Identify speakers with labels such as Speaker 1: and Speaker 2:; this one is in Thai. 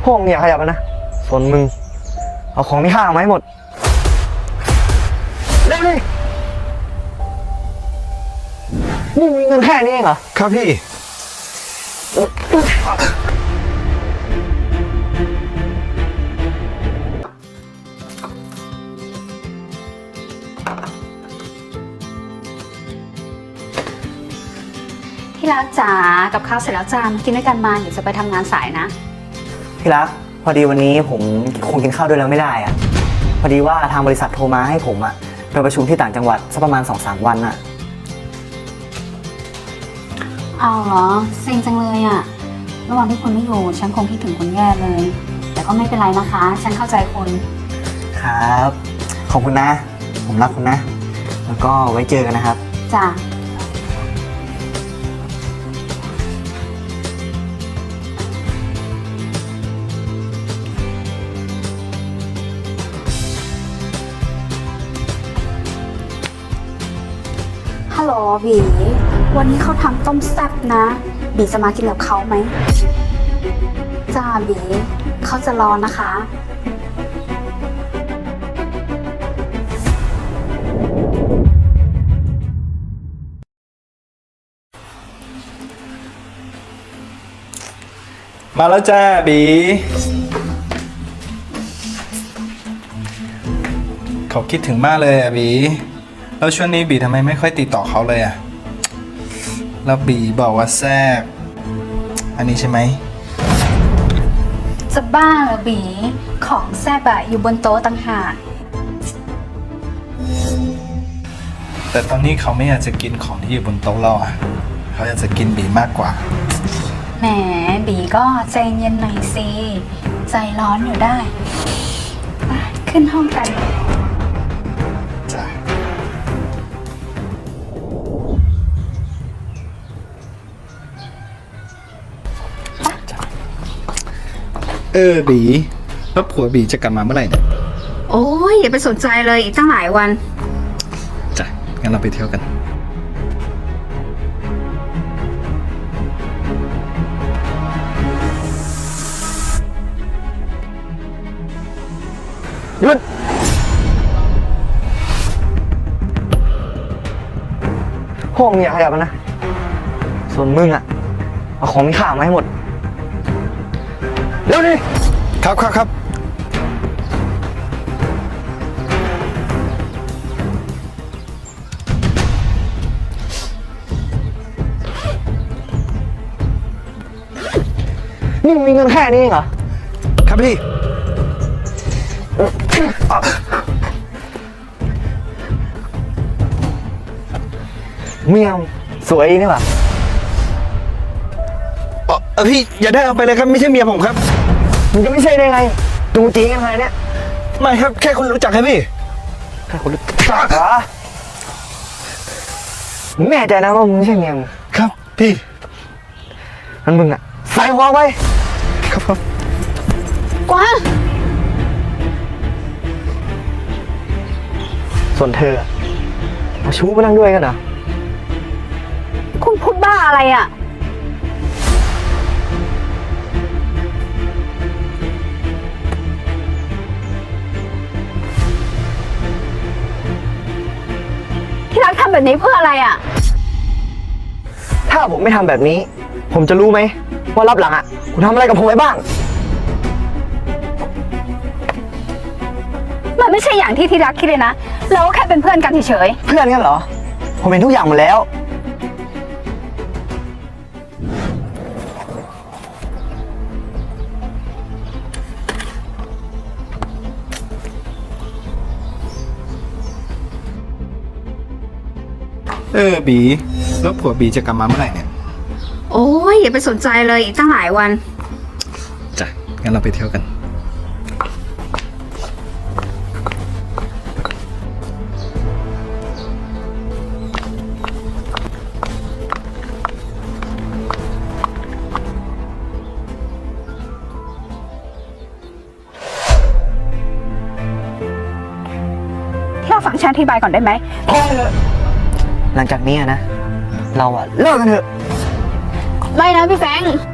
Speaker 1: พวกมึงอย่าขยับนะส่วนมึงเอาของมีค่าออกมาให้หมดเร็วเลยนี่มีเงินแค่นี้เองเหรอ
Speaker 2: ครับพี่
Speaker 3: ที่รักจ๋ากับข้าวเสร็จแล้วจ้ามากินด้วยกันมาเดี๋ยวจะไปทำงานสายนะ
Speaker 1: พี่รักพอดีวันนี้ผมคงกินข้าวด้วยแล้วไม่ได้อะพอดีว่าทางบริษัทโทรมาให้ผมอะไปประชุมที่ต่างจังหวัดสักประมาณ 2-3 วันอะ
Speaker 3: เอาเหรอเซ็งจังเลยอะระหว่างที่คุณไม่อยู่ฉันคงคิดถึงคุณแย่เลย แต่ก็ไม่เป็นไรนะคะฉันเข้าใจคุณ
Speaker 1: ครับขอบคุณนะผมรักคุณนะแล้วก็ไว้เจอกันนะครับ
Speaker 3: จ้าฮัลโหลบีวันนี้เขาทำต้มแซ่บนะบีจะมากินกับเขาไหมจ้าบีเขาจะรอนะคะ
Speaker 2: มาแล้วจ้าบีเขาคิดถึงมากเลยอ่ะบีแล้วช่วงนี้บีทำไมไม่ค่อยติดต่อเขาเลยอ่ะแล้วบีบอกว่าแซ่บอันนี้ใช่ไหม
Speaker 3: จะบ้าเหรอบีของแซ่บอะอยู่บนโต๊ะต่างหาก
Speaker 2: แต่ตอนนี้เขาไม่อยากจะกินของที่อยู่บนโต๊ะเราอ่ะเขาอยากจะกินบีมากกว่า
Speaker 3: แหมบีก็ใจเย็นหน่อยสิใจร้อนอยู่ได้ขึ้นห้องกัน
Speaker 2: จ้ะบีแล้วผัวบีจะกลับมาเมื่อไหร่เนี่ย
Speaker 3: โอ้ยอย่าไปสนใจเลยอีกตั้งหลายวัน
Speaker 2: จ้ะงั้นเราไปเที่ยวกัน
Speaker 1: หยุดพวกมึงอย่าขยับนะส่วนมึงอะเอาของมีค่ามาให้หมดเร็วดิ
Speaker 2: ครับ
Speaker 1: นี่มีเงินแค่นี้เองเหรอ
Speaker 2: ครับพี่
Speaker 1: เมียมสวยนี่ป่ะ
Speaker 2: พี่อย่าได้เอาไปเลยครับไม่ใช่เมียผมครับ
Speaker 1: มึงจะไม่ใช่ได้ไงดูจีกันไงเนี่ย
Speaker 2: ไม่ครับแค่คนรู้จักครับพี่
Speaker 1: แค่คนรู้จักเหรอมึงแน่ใจนะว่ามึงไม่ใช่เมียมึง
Speaker 2: ครับพี่
Speaker 1: งั้นมึงอะใส่หัวไว้
Speaker 2: ครับ
Speaker 3: กวาง
Speaker 1: ส่วนเธอมาชู้มานั่งด้วยกันเหรอ
Speaker 3: คุณพูดบ้าอะไรอะที่รักทำแบบนี้เพื่ออะไรอะ
Speaker 1: ถ้าผมไม่ทำแบบนี้ผมจะรู้ไหมว่ารับหลังอะคุณทำอะไรกับผมไว้บ้าง
Speaker 3: มันไม่ใช่อย่างที่รักคิดเลยนะเราก็แค่เป็นเพื่อนกันเฉย
Speaker 1: ๆเพื่อนกันเหรอผมเห็นทุกอย่างหมดแล้ว
Speaker 2: บีแล้วผัวบีจะกลับมาเมื่อไหร่เนี่ย
Speaker 3: โอ้ยอย่าไปสนใจเลยอีกตั้งหลายวัน
Speaker 2: จ้ะงั้นเราไปเที่ยวกัน
Speaker 3: ที่เราฟังฉันอธิบายก่อนได้ไหม
Speaker 1: พอเถอะหลังจากนี้นะเราอะเลิกกันเถอะ
Speaker 3: ไม่นะพี่แฟง